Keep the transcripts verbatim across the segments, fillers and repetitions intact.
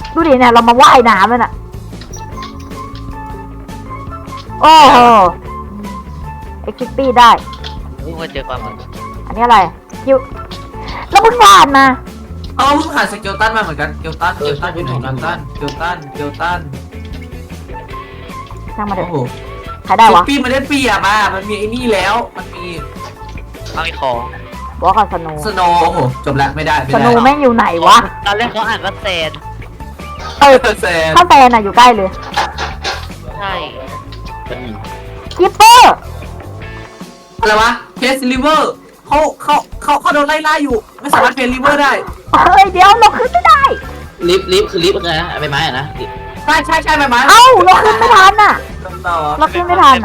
ดูดิเนี่ยเรามาว่ายน้ำแล้วน่ะโอ้โหเอ็กซ์ปี้ได้เพิ่งมาเจอความเหมือนอันนี้อะไรคิวแล้วมึงผ่านมาเอาเพิ่งหาสเกลตันมาเหมือนกันเกลตันเกลตันอยู่ไหนเกลตันเกลตันเกลตันช่างมาเถโอ้อะโหใครได้วะปีมันได้เปรียบอ่ะมันมีไอ้นี่แล้วมันมีไม่มีของวอลกับสโนสโนว์โอ้โหจบแล้วไม่ได้ไม่สได้โนแม่งอยู่ไหนวะตอนแรกเขาอ่านว่าแซนเออแซนถ้าแฟนอะอยู่ใกล้เลยใช่คิปเปอร์อะไรวะเพสลิเวอร์เขาเขาเขาเขาโดนไล่ล่าอยู่ไม่สามารถเพสลิเวอร์ได้เฮ้ยเดี๋ยวเราขึ้นไม่ได้ลิฟต์ลิฟต์คือลิฟต์อะไรนะใบไม้อะนะใช่ใช่ใช่ไหมไหมเอ้าเราขึ้นไม่ทันอะต่อเราขึ้นไม่ทันอะ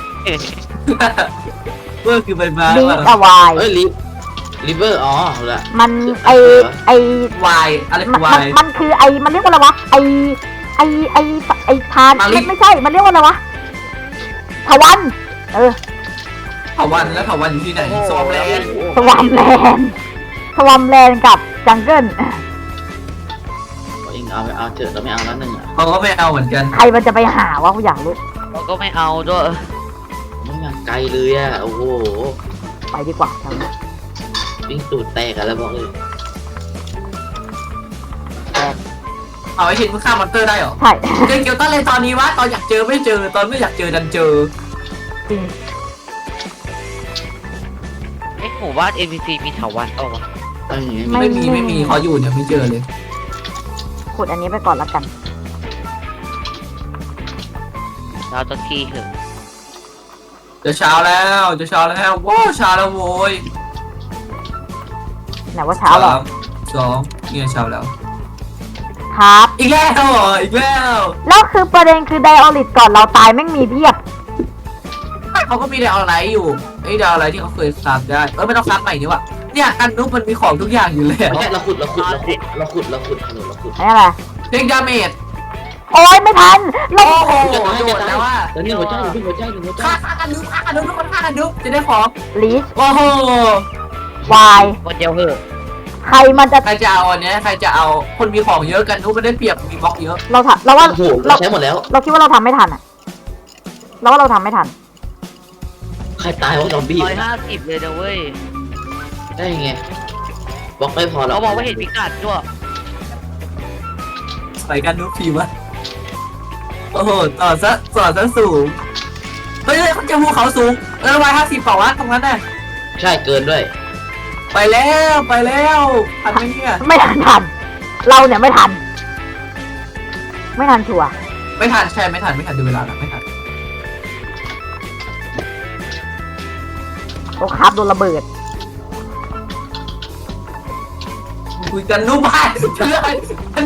เวอร์คือใบไม้ดีอะวายเอ้ยลิฟต์ลิเวอร์อ๋อเอาละมันไอไอวายอะไรมัคืนอวามันยมันคือไอมันเรียกว่าอะไรวะไอไอไอไอทานมาลิไม่ไม่ใช่มันเรียกว่าอะไรวะทวันเออเถาวันแล้วเถาวันอยู่ที่ไหนโซมแล้วสวามแลนด์สวามแลนด์กับจังเกิลเองเอาไปเอาเถอะเราไม่เอาแล้วหนึ่งอ่ะเขาก็ไม่เอาเหมือนกันใครมันจะไปหาวะกูอยากรู้เราก็ไม่เอาด้วยไม่อยากไกลเลยอ่ะโอ้โหไปดีกว่าทางนี้วิ่งตูดแตกกันแล้วบอกเลยเอาไอ้เห็นมึงฆ่ามอนเตอร์ได้เหรอใช่เจอเกียวตันเลยตอนนี้วะตอนอยากเจอไม่เจอตอนไม่อยากเจอดันเจอจริงไอ้หมู่บ้าน เอ็น พี ซี มีเถาวัลย์เปล่าวะเอ้ยไม่มีไม่มีเขาอยู่เนี่ยไม่เจอเลยขุดอันนี้ไปก่อนละกันเราจะขี้เถอะจะเช้าแล้วจะเช้าแล้วว้าวเช้าแล้วโว้ยไหนว่าเช้าเหรอสมสองเนี่ยเช้าแล้วครับอีกแล้วเหรออีกแล้วแล้วคือประเด็นคือไดออริตก่อนเราตายแม่งมีเพียบเขาก็มีดาวอะไรอยู่ไอ้ดาวอะไรที่เขาเคยซับได้เออไม่ต้องซับใหม่นี่วะเนี่ยกันนุ๊กมันมีของทุกอย่างอยู่แล้วไม่ใช่เราขุดเราขุดเราขุดเราขุดเราขุดเราขุดอันนี้อะไรเทคดาเมจโอ้ยไม่ทันลโอ้งโหโดนแล้วว่าแล้วนี่หัวใจหนึ่งหัวใจหนึ่งหัวใจฆ่าฆ่ากันนุ๊กฆ่ากันนุ๊กทุกคนฆ่ากันนุ๊กจะได้ของลีชโอ้โหวายคนเดียวเหอะใครมันจะใครจะเอาอันเนี้ยใครจะเอาคนมีของเยอะกันนุ๊กมันได้เปรียบมีบล็อกเยอะเราทำเราว่าโอ้โหเราเราใช้หมดแล้วเราคิดว่าเราทำไม่ทันอะเราว่าเราทำไม่ทันใครตายว่าซอมบี้ร้อยห้าสิบเลยนะเว้ยได้ไงบล็อกไม่พอหรอกเขาบอกว่าเห็นพิกัดด้วยใส่กันนุ๊กทีวะโอ้โหต่อซะต่อซะสูงเฮ้ยเขาจะภูเขาสูงเออร้อยห้าสิบเปล่าวะตรงนั้นน่ะใช่เกินด้วยไปแล้วไปแล้วทันไหมเนี่ยไม่ทันทัน เราเนี่ยไม่ทัน ไม่ทันชัวร์ไม่ทันใช่ไม่ทันไม่ทันดูเวลาแล้วไม่ทันโอ้ครับโดนระเบิดคุยกันนุ๊กบ้านเพื่อน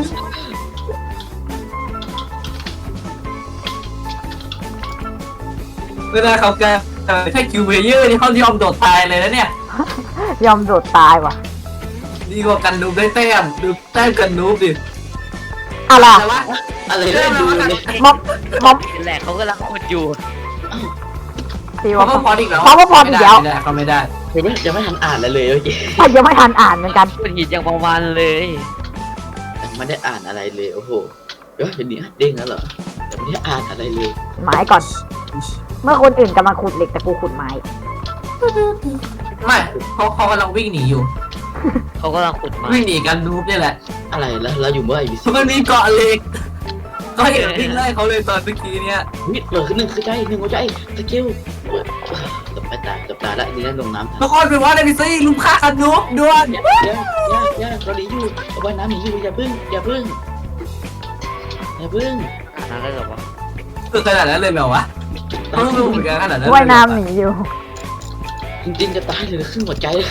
เวลาเขาแกแค่คิวเพเยอร์นี่เขายอมโดดตายเลยนะเนี่ยยอมโดดตายว่ะดีกว่ากันนูบได้แต้มดูแต้มกันนูบดิอะไรแต่ว่าอะไรได้ดูเลยม็อบม็อบแหละเขากำลังขุดอยู่ตีเขาว่าก็พออีกแล้วเขาก็พออีกแล้วไม่ได้เขาไม่ได้ผมไม่ยังไม่ทันอ่านอะไรเลยเมื่อกี้แต่ยังไม่ทันอ่านเหมือนกันขุดหินอย่างประมาณเลยยังไม่ได้อ่านอะไรเลยโอ้โหเดี๋ยวเห็นนี้เด้งแล้วเหรอยังไม่ได้อ่านอะไรเลยไม้ก่อน เมื่อคนอื่นกำลังขุดเหล็กแต่กูขุดไม้ไม่เขาเขากำลังวิ่งหนีอยู่เขากำลังขุดมาวิ่งหนีกันนูบนี่แหละอะไรแล้วเราอยู่เมื่อไหร่บิสมันมีเกาะเหล็กก็เห็นวิ่งไล่เขาเลยตอนเมื่อกี้เนี่ยมิดเปิดขึ้นหนึ่งคือใจหนึ่งหัวใจสกิลจบไปตายจบตายแล้วนี่นั่นลงน้ำทันทุกคนไปว่าในพิซี่ลุมฆ่ากันนูบด่วนย่าย่าย่าย่าเราหนีอยู่เอาไว้น้ำหนีอยู่อย่าพึ่งอย่าพึ่งอย่าพึ่งอ่านอะไรหรอวะคือขนาดนั้นเลยเหรอวะเขาต้องดูเหมือนกันขนาดนั้นว่ายน้ำหนีอยู่จริงๆจะตายเลยครึ่งหัวใจเลย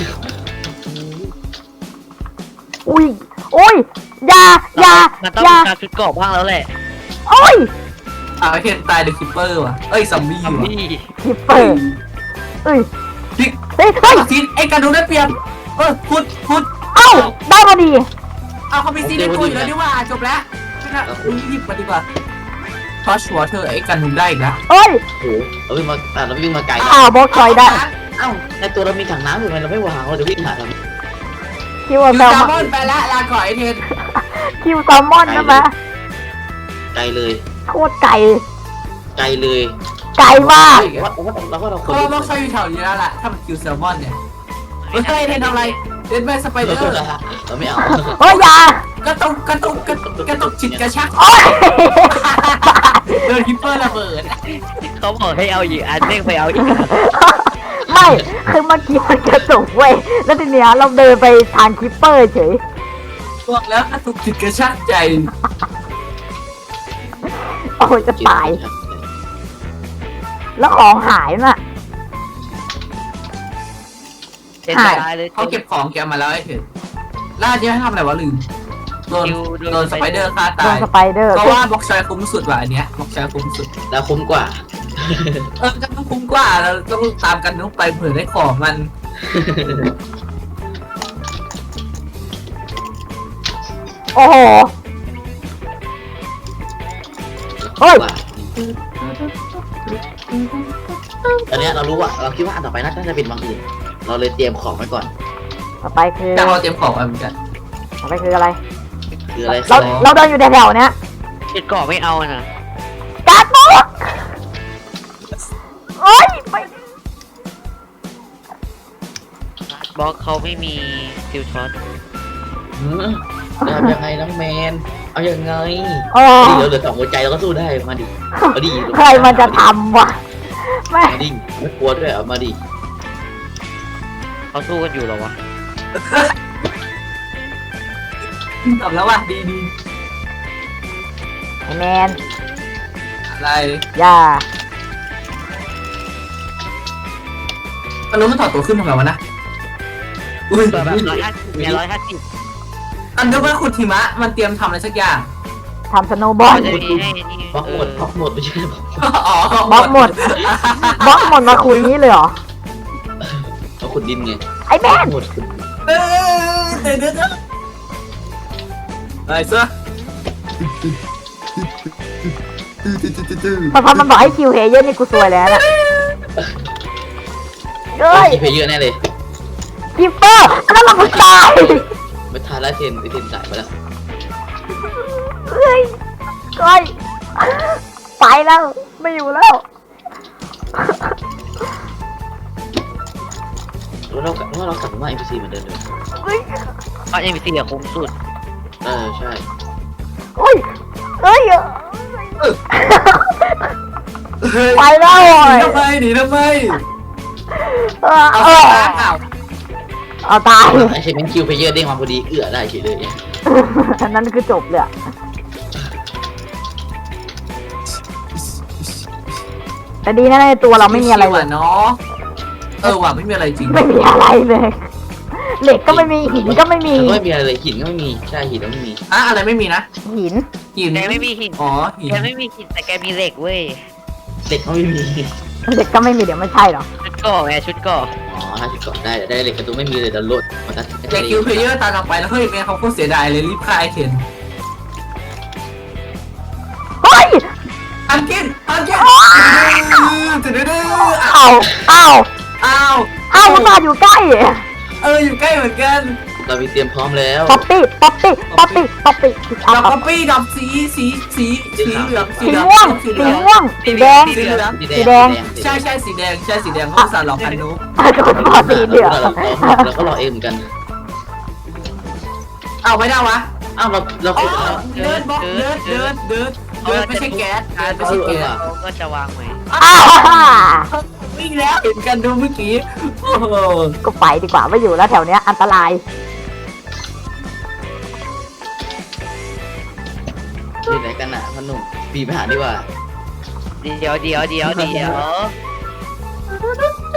อุ้ยโอ้ยอยาอยามันต้องอยามีการชุดเกราะบ้างแล้วแหละโอ้ยอ่าเคนตายเดอะคิปเปอร์ว่ะเอ้ยซอมบี้ทำว่ะนี่คิปเปอร์เอ้ยพิกเฮ้ยเฮ้ยซีไอ้กันนูบได้เปรียบเออพุดพุดเอ้าได้พอดีเอาเขามีซีในตัวอยู่แล้วดีว่าจบแล้วไม่น่าอุ้ยรีบมาดีกว่าทอชวอเธอไอ้กันนูบได้อีกแล้วเอ้ยโอ้โหเราวิ่งมาแต่เราวิ่งมาไกลอ้าวบล็อกชอยได้เอ้าในตัวเรามีถังน้ำอยู่ไงเราไม่วางเราจะวิ่งหาทำไมคิดอว่ายู่แซลแซลมอนมอนไปละลาก่อนไอเทนคิวแซลมอนใช่ไหมไกลเลยโคตรไก่ไกลเลยไก่มากเฮ้ยว่าว่าเราว่าเราคเพราะนว่าต้องใช้อยู่แถวนี้แล้วล่ะถ้ามันคิวแซลมอนเนี่ยเฮ้ยเทนทำอะไรเทนไปสไปเดอร์เราไม่เอาโอ้ยอยากระตุกกระตุกกระตุกกระตุกฉิดกระชักโอ้ยเดินคิปเปอร์ระเบิดเขาบอกให้เอาอีกอันเด้งไปเอาอีกไม่คือเมื่อกี้มันกระตุกเว้ยแล้วทีเนี้ยเราเดินไปทางคิปเปอร์เฉยบอกแล้วกระตุกฉิดกระชักใจโอ้ยจะตาย แล้วของหายน่ะเจ็ดหายตายเลยเขาเก็บของแกมาแล้วไอ้เถิดล่าเยอะให้ทำอะไรวะลืมโดนคิวโดนสไปเดอร์ฆ่าโดตาน ยสไปเดอร์เพราะว่าบล็อกชอยคุ้มสุดว่ะอันเนี้ยบล็อกชอยคุ้มสุดแล้วคุ้มกว่าเออก็ต้องคุ้มกว่าเราต้องตามกันต้องไปเผื่อได้ของมันโอ้โหเฮ้ยตอนเนี้ยเรารู้ว่าเราคิดว่าอันต่อไปน่าจะเป็นบางอื่น เราเลยเตรียมของไว้ก่อนต่อไปคือแต่เราเตรียมของไว้เหมือนกันต่อไปคืออะไรคืออะไรเราครับเราเดินอยู่แถวๆเนี้ยเจ็ดเกาะไม่เอานะการ์ดบล็อกโอ้ยไปบล็อกเขาไม่มีฟิวช็อตหือจะทำยังไงน้องแมน เอายังไงโอ้ดิเหลือเหลือสองหัวใจเราก็สู้ได้มาดิมาดิใครมันจะทำวะแม่มาดิไม่กลัวด้วยเอามาดิเขาสู้กันอยู่เหรอวะตอบแล้วว่ะดีดีไอแมนอะไรอย่าตอนนู้นมันถอดตัวขึ้นทำไมวะนะอุ้ยแบบร้อยห้าสิบเนี่ยร้อยห้าสิบอันนู้นว่าขุดหิมะมันเตรียมทำอะไรสักอย่างทำสโนว์บอลเขาจะมีให้นี่บล็อกเอหมอดบล็อกหมดไม่ใช่บล็อกอ๋อบล็อกหมดบล็อกหมดมาคุยนี้เลยเหรอเราขุดดินไงไอแมนหมดขุดเออเดี๋ยวเดี๋ยวเดี๋ยวอะไรเสื้อพอพอมันบอกให้คิวเฮเยอร์นี่กูซวยแล้วนะเฮ้ยที่เพย์เยอะแน่เลยกิปเปอร์อันนั้นเราผู้ชายไม่ทานแล้วเทนไอเทนสายไปแล้วเฮ้ยเฮ้ยไปแล้วไม่อยู่แล้วแล้วเราว่าเรากลับมาเอ็มพีซีเหมือนเดิมเลยเฮ้ยเพราะเอ็มบีซีอะคุ้มสุดเออใช่เฮ้ยเฮ้ยเฮ้ยไปแล้วหโอ้นียทำไมหนีทำไมเออเอาเออเอาเอาตายไอเชนคิวเพย์เยอร์เด้งมาพอดีเอื้อได้เฉยเลยอันนั้นคือจบเลยอะแต่ดีนะในตัวเราไม่มีอะไรชิวเลๆยเนาะเออว่ะไม่มีอะไรจริงไม่มีอะไรเลย เหล็กก็ไม่มีหินก็ไม่มีแล้วก็ไม่มีอะไรเลยหินก็ไม่มีใช่หินก็ไม่มีอะอะไรไม่มีนะหินหินแกไม่มีหินอ๋อหินแกไม่มีหินแต่แกมีเหล็กเว้ยเหล็กก็ไม่มีเหล็กก็ไม่มีเดี๋ยวไม่ใช่หรอชุดเกาะไงชุดเกาะอ๋อถ้าชุดเกาะได้ได้เหล็กกระตุ้นไม่มีเลยแต่โหลดมันก็แต่คิวเพลเยอร์ตามเราไปแล้วเฮ้ยแม่เขาโคตรเสียดายเลยรีบฆ่าไอเทนเฮ้ยอันกินอันกินจะดื้อเอาเอาอ้าวเอามันมาอยู่ใกล้เอออยู่ใกล้เหมือนกันเรามีเตรียมพร้อมแล้วป๊อปปี้ป๊อปปี้ป๊อปปี้ป๊อปปี้ดเอาอกเอาป๊อปปี้ดอกสีสีสีสีเหลืองสีสีเหลืองม่วงสีสีเหลืองม่วงสีแดงสีเหลืองสีแดงใช่ใช่สีแดงใช่สีแดงเขาสารหลอกอันนู้ขอสีเหลืองเราก็รอเองเหมือนกันเอาไม่ได้วะอ้าวเราเราอ๋อขุดเดินบล็อกเดินเดินเดินเดินไม่ใช่แก๊สเดินไม่ใช่แก๊สเขาก็จะวางไว้อ้าววิ่งแล้วเห็นกันดูเมื่อกี้โอ้โหก็ไปดีกว่าไม่อยู่แล้วแถวเนี้ยอันตรายที่ไหนกันน่ะพนุ่มปีไปหาดีกว่าเดี๋ยวเดี๋ยวเดี๋ยวเดี๋ยว